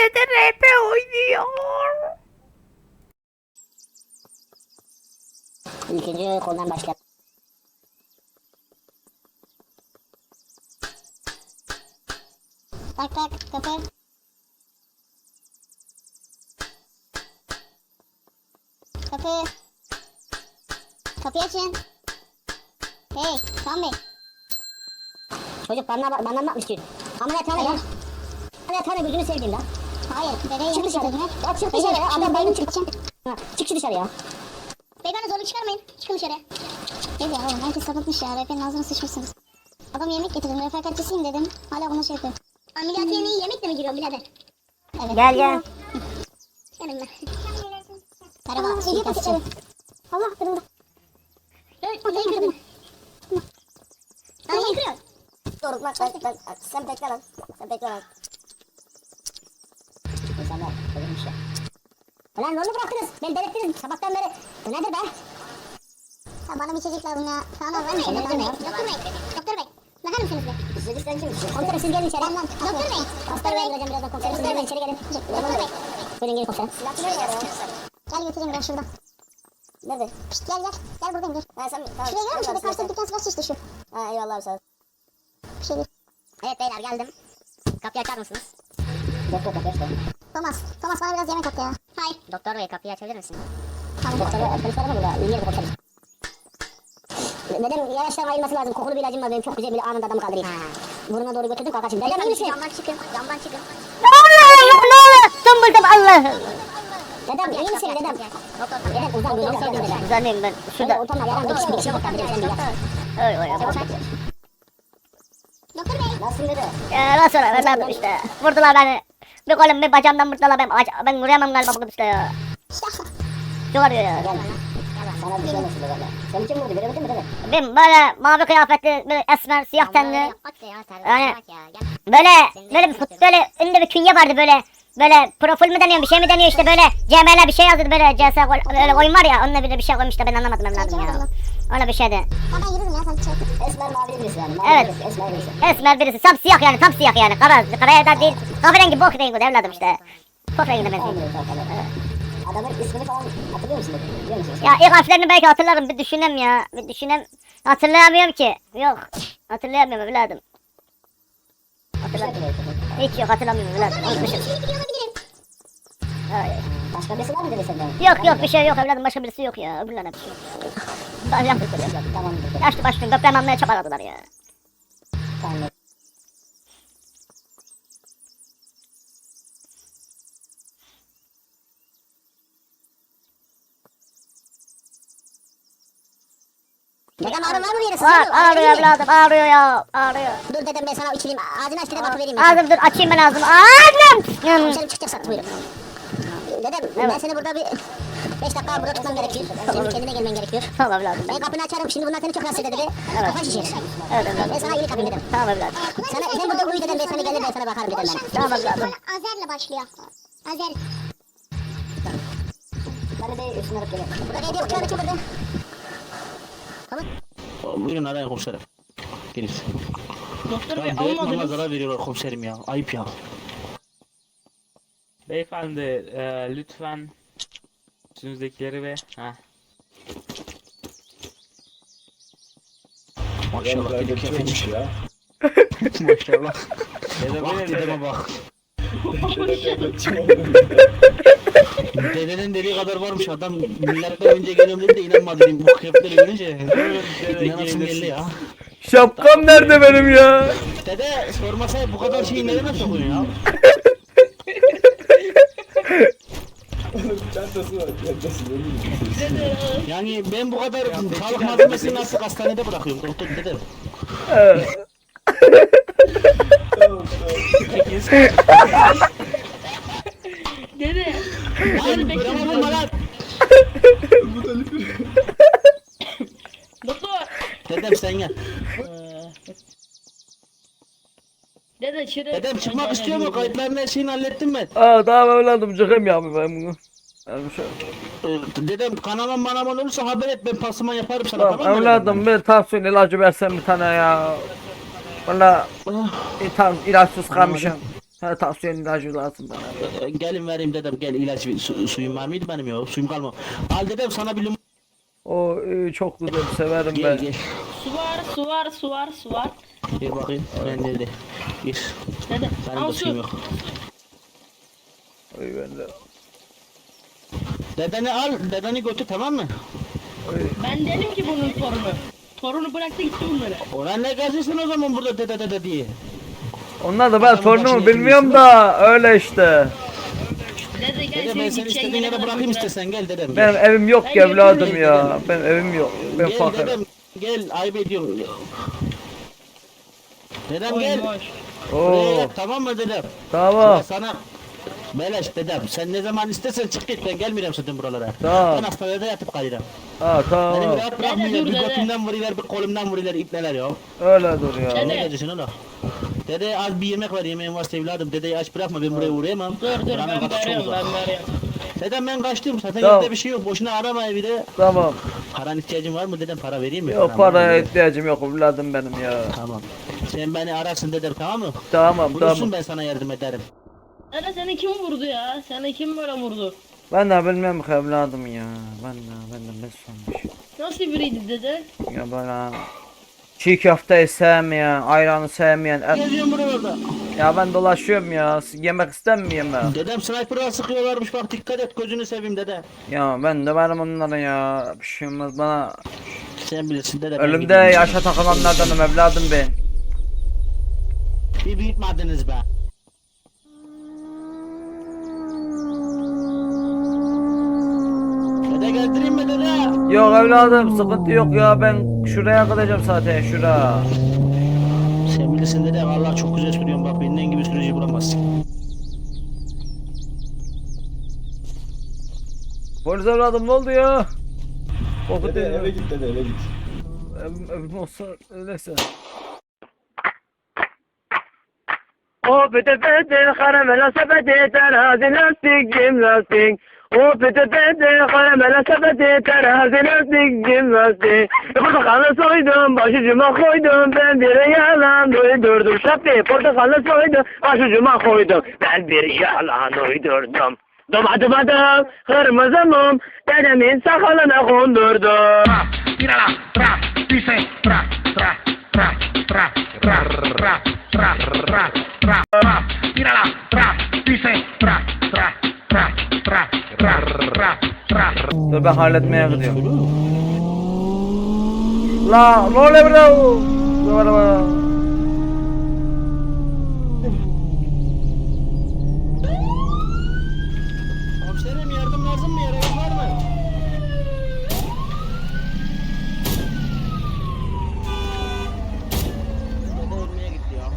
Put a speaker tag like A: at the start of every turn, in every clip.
A: Dede RP oynuyor.
B: İkinci koldan başla.
C: Tak tak kapı. Kapı. Kapıyı açın. Hey Kaan Bey.
B: Çocuk bana bakmış ki. Ameliyathane ya. Ameliyathane gözünü sevdiğim lan.
C: Hayır bebeği
B: Çık
C: yanlış
B: dışarı.
C: gördün.
B: Ya çık dışarı ya. Adam bayılır çık. Ha, çık şu dışarı ya.
C: Beyefendi zorluk çıkarmayın. Çıkın dışarı. Ne diyor oğlum herkes sapıtmış ya. RP'nin ağzına sıçmışsınız. Adam yemek getirdim. Refakatçisiyim dedim. Hala bunu şey yapıyor. Ameliyathaneye yemekle mi giriyor birader? Evet.
B: Gel gel.
C: Gelin ben. Merhaba. Suikastçı. Allah kırıldı. Evet. Neyi kırdın? Neyi kırıyor?
B: Doğru bak sen bekle lan. Sen bekle lan. İnsanlar ölmüş ya. Ulan onu bıraktınız. Beni delirttiniz sabahtan beri. Bu nedir be?
C: Ya bana bir içecek lazım ya. Kaan abi var mı? Doktor Bey. Doktor Bey. Doktor Bey. Bakar mısınız bir?
B: İstediğiniz sen kimsiniz? Komiserim siz gelin içeri.
C: Tamam. Doktor Bey.
B: Doktor Bey. Birazdan komiserim. Siz gelin içeri gelin.
C: Doktor Bey.
B: Buyurun gelin komiserim.
C: Silahını ver ya. Gel götüreyim ben şuradan.
B: Nerede?
C: Pişt gel gel. Gel buradayım dur.
B: Ha sen tamam.
C: Şuraya gel mi? Şurada karşıda dükkan silah şişti şu.
B: Ha eyvallah sağ ol.
C: Bir şey değil.
B: Evet beyler geldim. Kapıyı açar mısınız? Doktor kapıyı açtı.
C: Thomas. Thomas bana biraz yemek at ya. Hayır.
B: Doktor bey kapıyı açabilir misin?
C: Tamam.
B: Doktor bey polis var mı burada? İyi yerde konuşalım. Dedem yavaştan ayılması lazım. Kokulu bir ilacım var benim. Çok güzel bir anında adamı kaldırayım. Burnuna doğru götürdüm kalk açayım. Dedem iyi misin?
C: Camdan çıkın. Camdan çıkın.
A: Allah! Tımbıldım Allah!
B: Dedem iyi misin dedem? Dedem uzan gözünü sevdim dedem.
A: Uzanayım ben.
B: Şurada ortamda yaran bir kişi kurtar dedem sen bir gel.
A: Oy oy oy.
C: Doktor Bey.
B: Nasılsın dede?
A: Nasıl evladım işte. Vurdular beni. Bir kolum bir bacağımdan vurdular ben vuruyamam galiba bugün işte ya. Çok arıyor ya.
B: Gel. Sana bir şey olmasın dede. Sen kim vurdu göremedin mi dede?
A: Ben böyle mavi kıyafetli, böyle esmer, siyah tenli. Yani böyle bir böyle önünde bir künye vardı böyle profil mi deniyor bir şey mi deniyor işte böyle CML bir şey yazdı böyle CS böyle oyun var ya onunla bir şey koymuş da ben anlamadım evladım ya. Öyle bir şeydi.
C: Ben yürürüm ya sen çek.
B: Esmer mavili birisi yani.
A: Evet.
B: Esmer birisi.
A: Esmer birisi tam siyah yani tam siyah yani karaya da değil kahverengi bok rengi evladım işte. Bok renginde benziyor.
B: Adamın ismini falan hatırlıyor musun? Biliyor musun?
A: Ya ilk harflerini belki hatırlarım bir düşünem ya bir düşünem hatırlayamıyorum ki yok hatırlayamıyorum evladım. Hiç yok hatırlamıyorum evladım unutmuşum.
B: Başka birisi var mı dedi senden?
A: Yok bir şey yok evladım başka birisi yok ya öbürlerine bir şey yok. Daha yaptık evladım.
B: Tamam.
A: Yaşlı başlı gökten almaya çabaladılar ya.
B: Tamam. Dedem ağrın var mı bir yere?
A: Var ağrıyor evladım ağrıyor ya ağrıyor.
B: Dur dedem ben sana içireyim. Ağzını aç dede bakı vereyim.
A: Ağzım dur açayım ben ağzımı. Ağzım.
B: Komiserim çıkacaksan buyurun. Dedem ben seni burada bir 5 dakika burada tutmam gerekiyor. Senin kendine gelmen gerekiyor.
A: Tamam evladım.
B: Ben kapını açarım şimdi bunlar seni çok rahatsız eder dedi. Kafa şişir.
A: Evet evladım.
B: Ben sana iyilik yapayım dedim.
A: Tamam evladım.
B: Sen burada uyu dedim ben sana gelir ben sana bakarım dedim ben.
A: Tamam evladım.
C: Azer'le başlıyor. Azer.
B: Bana de üstüne alıp geliyorum. Burada hediye uçağını kim burada? Tamam.
D: Buyurun arayın komiserim. Gelin.
E: Doktor bey
D: Ya devlet bana
E: almadınız.
D: zarar veriyorlar komiserim ya. Ayıp ya.
E: Beyefendi lütfen üstünüzdekileri ve
D: Maşallah dedim kefeci.
F: ya.
D: Maşallah.
E: Dede
D: Bak
E: böyle
D: dedeme bak. Dedenin dediği kadar varmış adam. Milattan önce geliyorum dedi de inanmadı dedim. Bu kıyafetleri görünce. İnanasım geldi ya.
A: Şapkam nerede benim ya?
D: Dede sormasa bu kadar şeyi nereye sokuyorsun ya?
F: Çantası var, çantası.
D: Yani ben bu kadar sağlık malzemesini nasıl hastanede bırakıyorum doktor dedem.
E: Dede.
D: Lan bırakma vurma lan.
E: Doktor.
D: Dedem sen gel.
E: Dede şuraya.
D: Dedem çıkmak istiyor mu? Kayıtların her şeyini hallettim ben.
A: Tamam evladım çıkayım ya ben bunu.
D: Dedem kanaman manaman olursa haber et ben pasıman yaparım sana tamam,
A: Tamam
D: mı?
A: evladım bir tansiyon ilacı versen bir tane ya. Valla
D: Ah,
A: ilaçsız kalmışım.
F: Ha, tansiyon ilacı lazım bana.
D: Gelin vereyim dedem, gel ilaç suyum var mıydı benim ya? Suyum kalmadı. Al dedem sana bir limon.
F: O çok güzel, severim
D: Gel
F: ben.
D: gel.
E: Su var.
D: Gel bakayım. Ben nerede? Gir.
E: Dede.
D: Benim
E: Al
D: de suyum
E: su.
D: yok.
F: Oy ben de.
D: Dedeni al, dedeni götür, tamam mı?
E: Ben dedim ki bunun torunu. Torunu bıraktı gitti bunları.
D: Ulan ne geziyorsun o zaman burada dede diye.
F: Onlar da ben
D: Adamın
F: torunumu
D: başına
F: bilmiyorum
D: yatırmışsın
F: da öyle işte.
E: Dede gel
D: Dede ben seni
E: gideceğin
D: istediğin yere
E: kadar
D: bırakayım
E: götür.
D: istesen, gel dedem.
F: Benim
D: Gel,
F: evim yok
E: Ben
F: ki evladım
D: götüreyim
F: ya.
D: dedem.
F: Benim evim yok. Ben
D: gel
F: fakirim.
D: dedem. Gel, ayıp ediyorum. Dedem
E: Boş
D: gel.
E: boş.
D: Buraya
F: Oo,
D: yap, tamam mı dedem?
F: tamam.
D: Ya sana beleş dedem. Sen ne zaman istersen çık git, ben gelmiyorum zaten buralara.
F: Tamam.
D: Ben hastanede yatıp kalırım.
F: Ha
D: Beni
F: tamam.
D: bir rahat bırakmıyorlar.
E: dur
D: Bir
E: dede.
D: götümden vuruyorlar, bir kolumdan vuruyorlar, ipneler ya.
F: Öyle dur ya.
E: Dede.
D: Ne geziyorsun oğlum? Dede az bir yemek var, yemeğin varsa evladım. Dedeyi aç bırakma, ben buraya uğrayamam.
E: Dur
D: Buranın
E: ben
D: kapısı çok
E: veriyorum
D: uzak.
E: ben veriyorum.
D: Dedem ben kaçtım, zaten
F: Tamam.
D: evde bir şey yok. Boşuna arama evi de.
F: Tamam.
D: Paran ihtiyacın var mı dedem, para vereyim mi?
F: Yok
D: Param var mı
F: paraya
D: dedem?
F: ihtiyacım yok evladım benim ya.
D: Tamam. Sen beni ararsın dedem, tamam mı?
F: Tamam
D: Bulursun,
F: tamam.
D: ben sana yardım ederim.
E: Dede seni kim vurdu ya? Seni kim böyle vurdu?
F: Ben de bilmiyorum ki evladım ya. Ben de ne sanmış.
E: Nasıl biriydi dede?
F: Ya böyle çiğ köfteyi sevmeyen, ayranı sevmeyen.
D: Geziyorum buralarda.
F: Ya ben dolaşıyorum ya. Yemek istemiyorum ben.
D: Dedem sniper'a sıkıyorlarmış, bak dikkat et, gözünü seveyim dede.
F: Ya ben de varım onlara ya. Bir şey olmaz bana.
D: Sen bilirsin dede. ben
F: Ölümde
D: gidiyorum.
F: yaşa takılanlardanım evladım ben.
D: Bir büyütmediniz be. Dede gezdireyim mi dede?
F: Yok evladım sıkıntı yok ya, ben şuraya kalacağım zaten şura.
D: Sen bilirsin dede, vallahi çok güzel sürüyorsun, bak benden gibi sürücü bulamazsın.
F: Polis evladım ne oldu ya? Korkut
G: Dede eve git dede, eve git.
F: Evim olsa öyleyse. O pete pete karamela sepeti terazi lastik cim lastik. O pete pete karamela sepeti terazi lastik cim lastik. Portakalı soydum başucuma koydum, ben bir yalan uydurdum. Şapti portakalı soydum başucuma koydum, ben bir yalan uydurdum. Domadım kırmızı mum dedemin sakalına kondurdum. Dur ben halletmeye gidiyorum. La ne oluyor burada? Dur araba.
D: Komiserim yardım lazım mı, yaramaz var mı? Dede ölmeye gitti ya.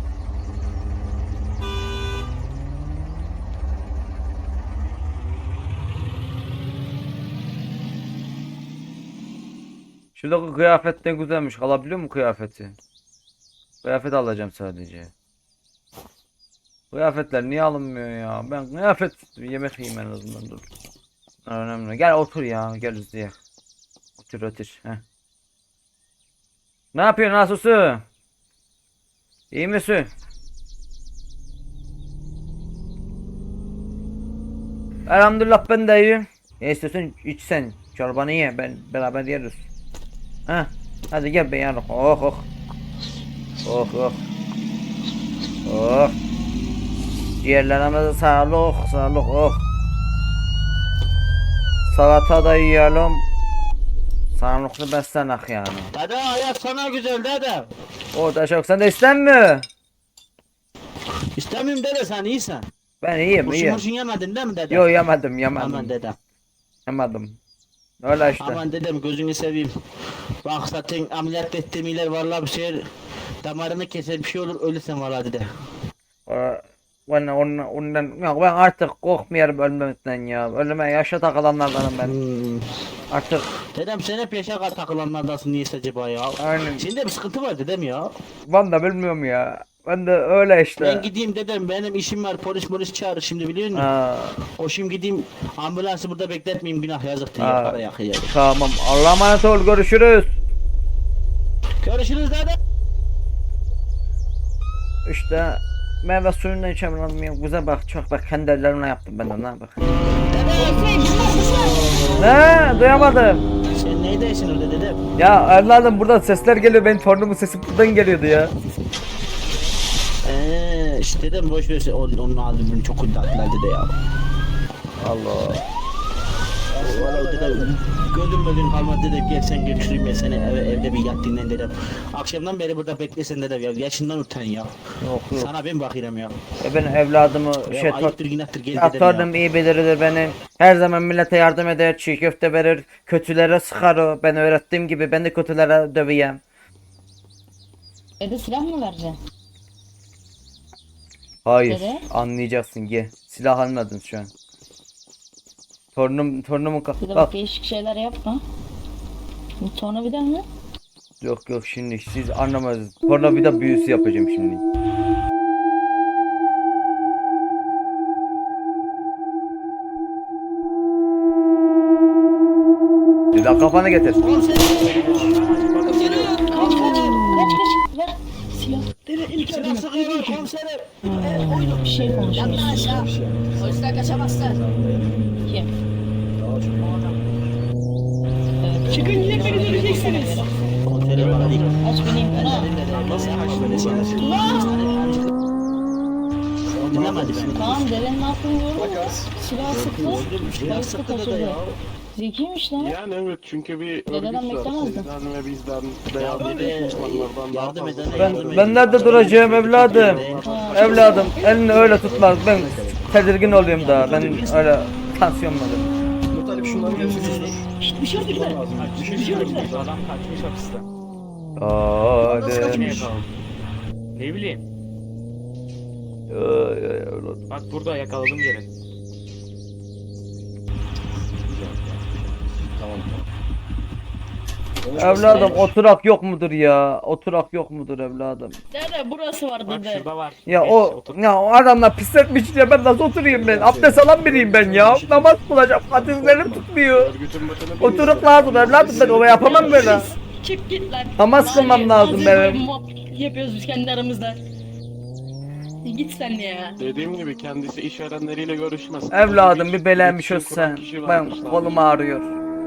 F: Şuradaki kıyafet ne güzelmiş. Alabiliyor mu kıyafeti? Kıyafet alacağım sadece. Kıyafetler niye alınmıyor ya? Ben kıyafet yemek yiyeyim en azından, dur. Önemli. Gel otur ya. Gel izleye. Otur otur. Heh. Ne yapıyorsun Asusu? İyi misin? Elhamdülillah ben de iyiyim. Ne istiyorsun iç sen. Çorbanı ye. Ben beraber yeriz. Heh. Hadi gel be yarın. Oh oh. Oh oh. Oh. Ciğerlerimize sağlık, sağlık. Oh. Salata da yiyelim. Sağlıklı beslenek yani.
D: Dede hayat sana güzel dede.
F: O da çok. Sen de istenmiyor.
D: İstemiyorum dede, sen iyisin.
F: Ben iyiyim
D: Kurşun
F: iyiyim.
D: murşun yemedin değil mi dede?
F: Yo yemedim
D: Aman
F: yemedim.
D: dedem.
F: Yemedim. Öyle işte.
D: Aman dedem gözünü seveyim. Bak zaten ameliyat ettiğim iler vallahi bir şey, damarını keser bir şey olur, ölürsen vallahi dede.
F: Ondan yok, ben artık korkmuyorum ölmemekten ya. Ölüme yaşa takılanlardanım ben. Artık
D: Dedem sen hep yaşa takılanlardasın, niyeyse acaba ya.
F: aynen.
D: Senin de bir sıkıntı var dedem ya.
F: Ben de bilmiyorum ya. Ben de öyle işte.
D: Ben gideyim dedem, benim işim var, polis çağırır şimdi biliyor musun?
F: Ha,
D: Koşayım gideyim, ambulansı burada bekletmeyeyim, günah yazıktır
F: Ha.
D: ya, para yakıyor.
F: tamam. Allah'a emanet ol, görüşürüz.
D: Görüşürüz dede.
F: İşte
G: Meyve suyundan içemiyorum. Güzel bak çok bak kendi ellerimle yaptım ben ona bak. Ne duyamadım.
D: Sen neydesin öyle dedem?
G: Ya evladım buradan sesler geliyor benim torunumun sesi buradan geliyordu ya.
D: İşte dedem boş ver onun albümünü çok kudretler dede ya.
G: Allah.
D: Valla dede gözüm kalmadı dede gel sen götüreyim ya seni evde bir yat dinlen dedem. Akşamdan beri burada beklesen dedem ya yaşından utan ya.
G: Yok yok.
D: Sana ben bakıyorum ya.
G: Ben evladımı
D: Ya ayıptır günahtır gel
G: ya
D: dedem
G: torunum
D: ya.
G: iyi bilirdir benim. Her zaman millete yardım eder, çiğ köfte verir, kötülere sıkar o. Ben öğrettiğim gibi ben de kötülere döveyim.
E: Dede silah mı vereceksin?
G: Hayır,
E: Dede?
G: anlayacaksın gel. Silah almadın şu an. Torunumun
E: Bir de
G: bak.
E: bak değişik şeyler yapma. Bu tornavida mı?
G: Yok yok şimdi siz anlamadınız. Tornavida büyüsü yapacağım şimdi. Bir daha kafanı getir.
E: Kaç ver. Silah. Dede ilk
D: Silah sıkıyor komiserim.
E: bir şey konuşuyoruz.
B: Polisler kaçamazsın.
E: Kim? Çıkın yine beni döneceksiniz.
D: Komiserim bana değil.
E: Aç bineyim ben ha.
D: Nasıl kaçtın? Dinlemedi beni.
E: Tamam dedenin aklını gördün. Silah sıktı. Bayısı kaçırdı. Zekiymiş lan.
F: Yani evet çünkü bir
E: Dededen
F: örgüt var.
E: beklemezdim.
F: Sizden ve bizden
D: Ya
F: veya
D: dede
F: diğer düşmanlardan daha
D: yardım
F: fazla.
D: edene
G: Ben nerede duracağım evladım? Evladım elini öyle tutma. Ben tedirgin oluyorum da. Ben öyle tansiyonladım.
E: Şşt bir şey oldu gider. Bir şey oldu gider.
H: Adam kaçmış hapisten.
G: Hadi.
H: Niye kaldı? Ne bileyim.
G: Evladım.
H: Bak burada yakaladım geri.
G: Evladım oturak yok mudur ya? Oturak yok mudur evladım?
E: Dede burası var
H: Bak
E: dede.
H: şurada var.
G: Ya
H: Geç,
G: o
H: otur.
G: ya o adamlar pisletmiş ya ben nasıl oturayım ben? Abdest alan biriyim ben ya. Namaz kılacağım. Hadislerim tutmuyor.
F: Örgütün başına bir
G: Oturup lazım evladım ben o yapamam böyle.
E: Çık git lan.
G: Namaz kılmam lazım
E: Hazır
G: benim.
E: böyle muhabbet yapıyoruz biz kendi aramızda. Git sen ya.
F: Dediğim gibi kendisi işverenleriyle görüşmez.
G: Evladım bir belenmiş
F: İletişim
G: olsan.
F: kuran kişi
G: Ben
F: varmış
G: kolum
F: sadece.
G: ağrıyor.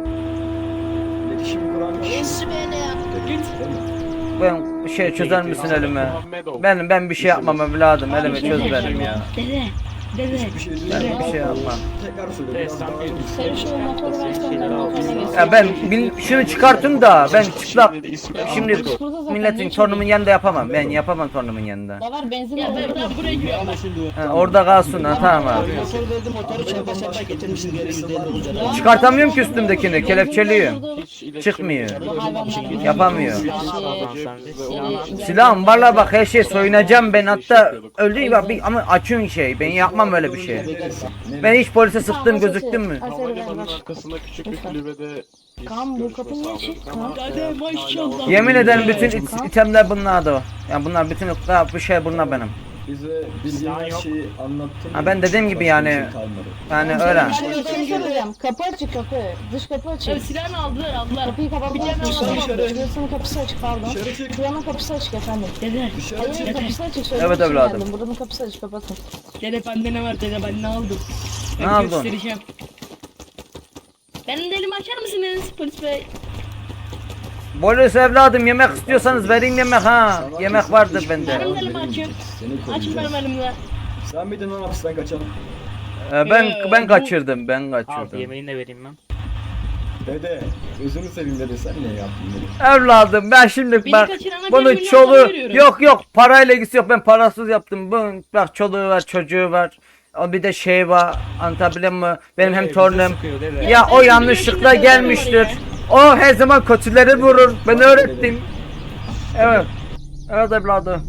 E: Git.
G: Ben şey çözer misin elime?
F: Muhammedov.
G: Ben bir şey yapmam evladım elime çöz benim ya.
E: Dede. Dede.
G: Ben bir şey yapmam.
H: Sen bir
E: Sen şu motoru versene
H: şeyler
E: ben motoruna
H: alıyorsun.
E: geçeyim.
G: Ya ben şunu çıkartın da ben çıplak şimdi
E: Burada zaten
G: milletin
E: ne
G: torunumun yanında yapamam. Ben yapamam torunumun yanında.
E: Da var benzin
C: Ya
E: aldım.
C: ben buraya giriyorum.
G: Ha, orada kalsın ha tamam abi.
D: Motor verdim motoru çanta çanta getirmişsin geri 159 lira.
G: Çıkartamıyorum ki üstümdekini kelepçeliyor. Çıkmıyor. Yapamıyor. Silahım valla bak her şey soyunacağım ben hatta öldü bak bir, ama açıyorsun şey ben yapmam öyle bir şey. Ben hiç polise sıktım gözüktüm mü?
F: Havalimanının arkasında küçük bir kulübede
E: Kaan bu kapı niye açık? Kaan. Dede maşallah.
G: Yemin ederim bütün itemler bunlardı o. Yani bunlar bütün bu şey bunlar benim.
I: Bize bildiğin her şeyi anlattın.
G: Ha ben dediğim gibi yani yani öyle.
E: Ben bir şey söyleyeceğim. Kapı açık kapı. Dış kapı açık.
C: Evet, silahını aldılar.
E: Kapıyı kapatmazsan Şurasının kapısı açık pardon. Şuranın kapısı açık efendim.
C: Dede.
E: Hayır kapısı açık.
G: Evet evladım.
E: Buranın kapısı açık kapatın.
C: Dede bende ne var dede ben ne aldım?
G: Ne
C: Ben
G: aldın?
C: göstereceğim. Benim de elimi açar mısınız polis bey?
G: Polis evladım yemek istiyorsanız vereyim yemek ha. Yemek vardır bende.
C: Benim de elimi açın.
I: Seni
C: Açın benim
I: koruyacağız.
C: elimle.
I: Sen miydin lan hapisten kaçan?
G: Ben kaçırdım ben
H: Al
G: kaçırdım.
H: yemeğini de vereyim ben.
I: Dede, gözünü seveyim dede sen ne yaptın dede?
G: Evladım ben şimdi
C: Beni
G: bak
C: kaçırana bir
G: bunun
C: milyon
G: çoluğu
C: dolar veriyorum.
G: yok parayla ilgisi yok ben parasız yaptım. Bunun bak çoluğu var çocuğu var. O bir de şey var anlatabiliyor muyum? Benim hem
H: Bize
G: torunum.
H: sıkıyor dede.
G: Ya o yanlışlıkla gelmiştir. O her zaman kötüleri vurur. Ben öğrettim. Evet. Evet evladım.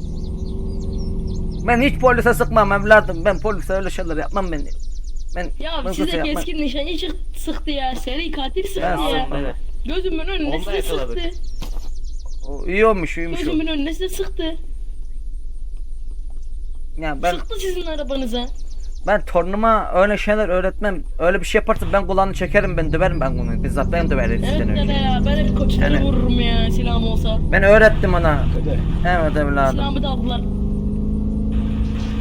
G: Ben hiç polise sıkmam evladım. Ben polise öyle şeyler yapmam ben.
C: Ya
G: ben
C: size
G: kötü yapmam.
C: keskin nişancı sıktı ya. Seri katil sıktı
G: Ben
C: ya.
G: sıkmam.
H: Dede.
C: Gözümün önünde
H: Onu da
C: size
H: yakaladık.
C: sıktı.
G: O iyi olmuş iyiymiş o.
C: Gözümün önünde size sıktı.
G: Ya
C: Sıktı sizin arabanıza.
G: ben torunuma öyle şeyler öğretmem. Öyle bir şey yaparsa ben kulağını çekerim ben döverim ben bunu. Bizzat ben döverim
C: Evet
G: sizden
C: dede
G: önce.
C: ya ben hep koçları
G: Yani-
C: vururum ya silahım olsa.
G: Ben öğrettim ona.
I: Dede,
G: Evet evladım.
C: Silahımı da aldılar.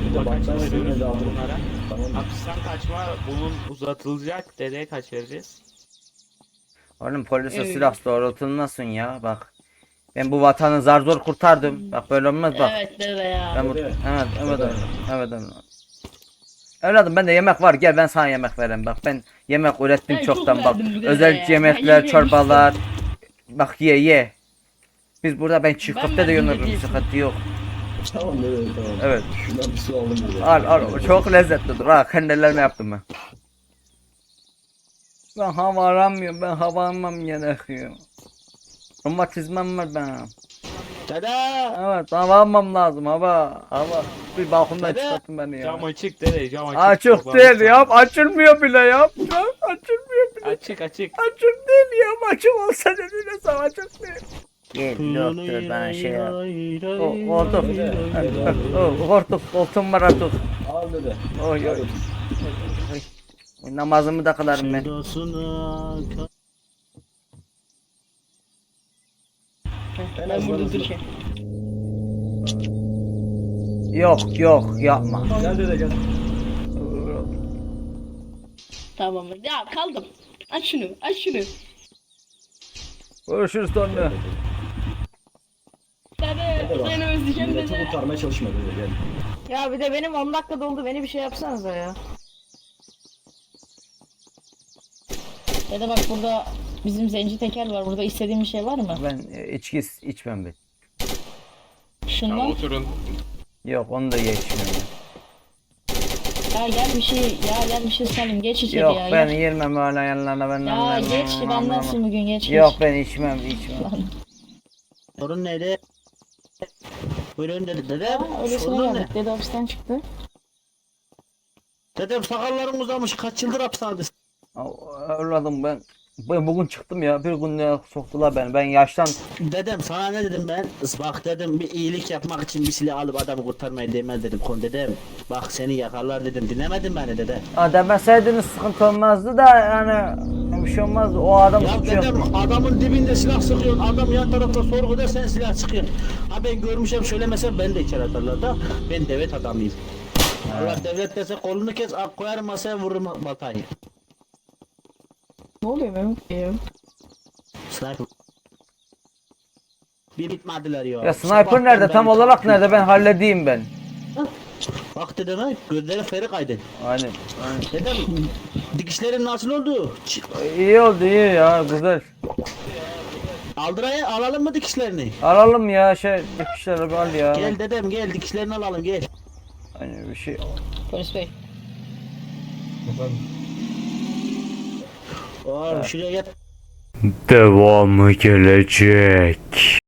H: Kaç
I: bakarsın
H: veriyoruz
I: ne de alırım.
H: bunlara?
I: Tamam.
H: Hapisten kaçma bunun uzatılacak. Dedeye kaç vereceğiz?
G: Oğlum polise silah doğrultulmasın ya bak. Ben bu vatanı zar zor kurtardım. Bak böyle olmaz bak.
E: Evet dede ya.
G: Ben bu...
I: Dede.
G: Evet, evet, evet, evet, evet. Evladım bende yemek var gel ben sana yemek vereyim bak ben yemek ürettim
E: Ben çok
G: çoktan bak
E: verdim bu dede
G: özel
E: ya.
G: yemekler
E: Ben
G: çorbalar bak ye biz burada ben çiğ
E: Ben
G: köfte de
E: verdim
G: yönürüm
E: dediğim.
G: sıkıntı yok
I: Tamam dede tamam.
G: evet
I: Şuradan bir su aldım dede.
G: al çok lezzetlidir ha kendilerine yaptım ben hava aramıyorum ben hava almam gerekiyor romatizmam var benim
D: Dede!
G: evet hava almam lazım hava bir balkondan
D: Dede.
G: çıkartın beni ya
H: Cam açık dede cam açık.
G: açık
H: Çok
G: değil
H: fazla.
G: ya açılmıyor bile ya açılmıyor bile
H: Açık.
G: Açık değil ya açık olsa dediğine sana açık değil. Gel doktor bana şey yap. Koltuk koltuğum var artık.
I: Al dede.
G: Oy oy. Oy, namazımı da kılarım ben.
E: Ben burada duracağım.
G: Yok yapma.
I: Gel dede gel.
E: Tamam. Ya kaldım. Aç şunu.
G: Görüşürüz sonra.
E: Dede seni özleyeceğim
I: Milleti
E: dede.
I: kurtarmaya çalışma dede gel.
E: Ya bir de benim 10 dakika doldu. Beni bir şey yapsanıza ya. Dede bak burada bizim zenci teker var. Burada istediğin bir şey var mı?
G: Ben içki içmem ben.
E: Şundan.
G: Yok onu da içmiyorum.
E: Ya gel bir şey salayım. Geç içeri
G: Yok
E: ya.
G: ben
E: gel.
G: yermem öyle yanlarına ben.
E: Ya geç bendensın bugün geç.
G: Yok ben içmem.
D: Sorun neydi? Buyurun dede.
E: Ha, öylesine
D: Sorun ne?
E: geldik. Dede hapisten çıktı.
D: Dedem sakallarım uzamış kaç yıldır hapishanedesin?
G: Evladım ben bugün çıktım ya bir gün ya soktular beni ben yaştan
D: Dedem sana ne dedim ben? Bak dedim bir iyilik yapmak için bir silah alıp adamı kurtarmayı demez dedim kon dedem. Bak seni yakarlar dedim dinlemedin beni dede.
G: demeseydiniz sıkıntı olmazdı da yani bir şey olmazdı o adam
D: Ya
G: suçu yok.
D: dedem adamın dibinde silah sıkıyorsun adam yan tarafta sorguda sen silah sıkıyorsun. Ha ben görmüşüm söylemesem ben de içeri atarlar da ben devlet adamıyım. Allah devlet dese kolunu kes koyarım masaya vururum baltayı.
E: Ne oluyor Mehmet?
D: Sniper. Bir bitmediler ya.
G: Ya sniper nerede tam olarak nerede ben halledeyim ben.
D: Bak dedem ha gözlerin feri kaydı.
G: Aynen.
D: Dedem dikişlerin nasıl oldu?
G: İyi oldu iyi ya güzel.
D: Aldıraya alalım mı dikişlerini?
G: Alalım ya dikişleri al ya.
D: Gel dedem gel dikişlerini alalım gel.
G: Hani bir şey.
E: Polis bey.
D: Oğlum şuraya gel.
G: Devamı gelecek.